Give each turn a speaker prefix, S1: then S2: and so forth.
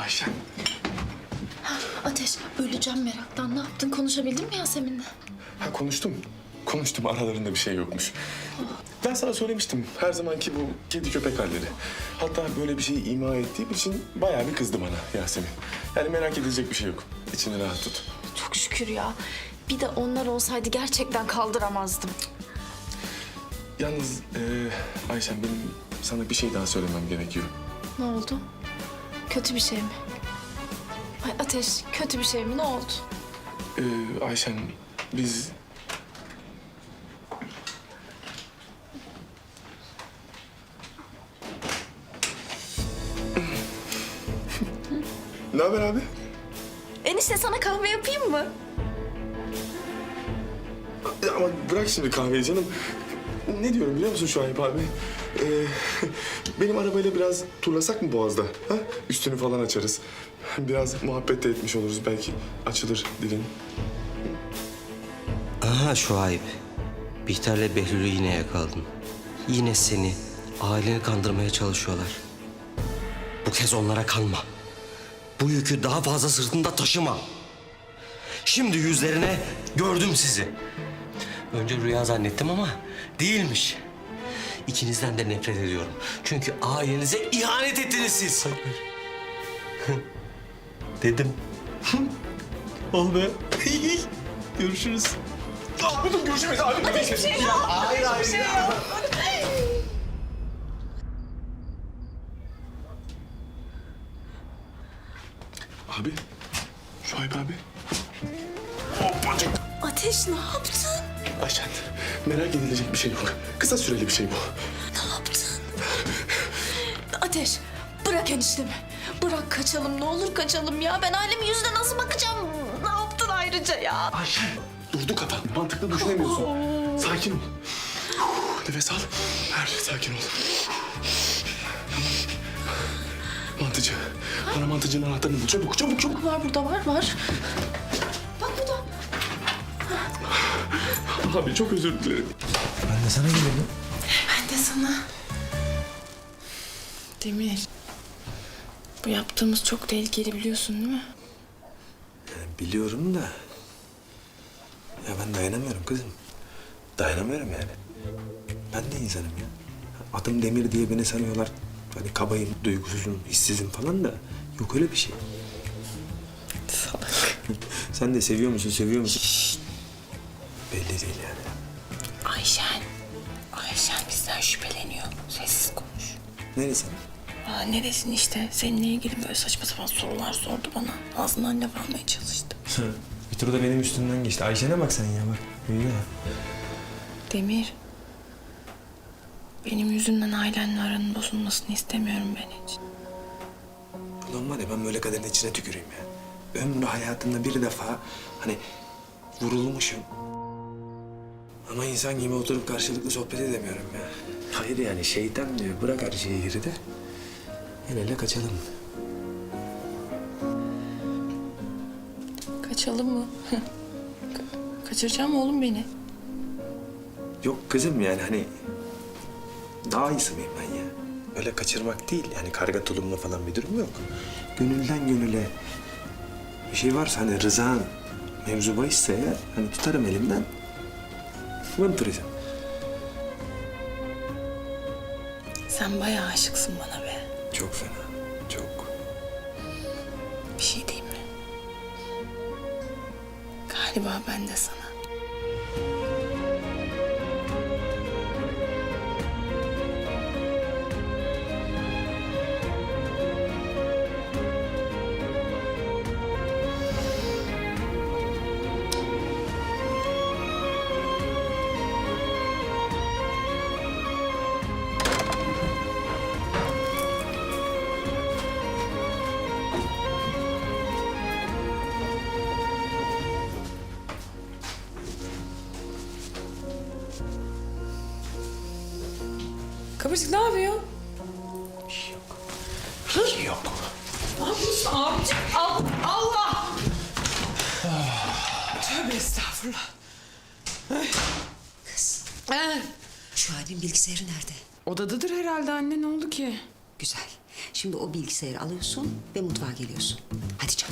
S1: Ayşen.
S2: Ateş, öleceğim meraktan. Ne yaptın? Konuşabildin mi Yasemin'le?
S1: Ha konuştum. Konuştum, aralarında bir şey yokmuş. Ben sana söylemiştim, her zamanki bu kedi köpek halleri. Hatta böyle bir şeyi ima ettiğim için bayağı bir kızdı bana Yasemin. Yani merak edilecek bir şey yok. İçini rahat tut.
S2: Çok şükür ya. Bir de onlar olsaydı gerçekten kaldıramazdım.
S1: Yalnız Ayşen, benim sana bir şey daha söylemem gerekiyor.
S2: Ne oldu? Kötü bir şey mi? Ay Ateş, kötü bir şey mi? Ne oldu?
S1: Ayşen, biz... Ne haber abi?
S2: Enişte sana kahve yapayım mı?
S1: Ya ama bırak şimdi kahveyi canım. Ne diyorum biliyor musun Şuayb abi? Benim arabayla biraz turlasak mı Boğaz'da? Ha? Üstünü falan açarız. Biraz muhabbet de etmiş oluruz. Belki açılır dilin.
S3: Aha Şuayb. Bihter'le Behlül'ü yine yakaladın. Yine seni, aileni kandırmaya çalışıyorlar. Bu kez onlara kanma. Bu yükü daha fazla sırtında taşıma. Şimdi yüzlerine gördüm sizi. Önce rüya zannettim ama değilmiş. İkinizden de nefret ediyorum. Çünkü ailenize ihanet ettiniz siz. Dedim. Ol be. Görüşürüz.
S1: Görüşürüz abi.
S2: Ateş bir şey yok.
S3: Hayır, hayır.
S2: Şey yok.
S1: Abi. Şuayb abi. Hoppacık.
S2: Ateş ne yaptın?
S1: Ayşen, merak edilecek bir şey yok. Kısa süreli bir şey bu.
S2: Ne yaptın? Ateş, bırak eniştemi. Bırak kaçalım, ne olur kaçalım ya. Ben ailemin yüzüne nasıl bakacağım? Ne yaptın ayrıca ya?
S1: Ayşen, durdu kafan. Mantıklı düşünemiyorsun. Sakin ol. Nefes al. Sakin ol. Mantıcı. Bana mantıcının anahtarını bul. Çabuk, çabuk, çabuk.
S2: Var burada, var. Bak burada.
S1: Abi çok özür dilerim.
S4: Ben de sana geliyorum.
S2: Ben de sana. Demir, bu yaptığımız çok tehlikeli biliyorsun değil mi?
S4: Biliyorum da... Ya ben dayanamıyorum kızım. Dayanamıyorum yani. Ben de insanım ya. Adım Demir diye beni sanıyorlar. Hani kabayım, duygusuzum, hissizim falan da... Yok öyle bir şey.
S2: Salak.
S4: Sen de seviyor musun, seviyor musun? Şşt. Belli değil yani.
S2: Ayşen bizden şüpheleniyor. Sessiz konuş.
S4: Neresi?
S2: Ne desin işte, seninle ilgili böyle saçma sapan sorular sordu bana. Ağzından laf almaya çalıştı.
S4: Bir tur da benim üstümden geçti. Ayşe'ne bak sen ya bak. Öyle ya.
S2: Demir, benim yüzümden ailenle aranın bozulmasını istemiyorum ben hiç.
S4: Ulan var ya ben böyle kaderin içine tüküreyim ya. Ömrü hayatımda bir defa hani vurulmuşum. Ama insan gibi oturup karşılıklı sohbet edemiyorum ya. Hayır yani şeytan diyor bırak her şeyi geride. El ele kaçalım.
S2: Kaçalım mı? Kaçıracağım mı oğlum beni?
S4: Yok kızım yani hani daha iyisi miyim ben ya? Öyle kaçırmak değil yani karga tulumla falan bir durum yok. Gönülden gönüle bir şey varsa hani rızan mevzu bahisse eğer hani tutarım elimden. Vınturizm.
S2: Sen bayağı aşıksın bana be.
S4: Çok fena. Çok.
S2: Bir şey diyeyim mi? Galiba ben de sana.
S5: Kıvırcık ne yapıyor?
S4: Bir şey yok. Bir şey yok.
S5: Ne yapıyorsun abicim? Allah! Tövbe estağfurullah.
S6: Şu halin bilgisayarı nerede?
S5: Odadadır herhalde anne, ne oldu ki?
S6: Güzel. Şimdi o bilgisayarı alıyorsun ve mutfağa geliyorsun. Hadi çabuk.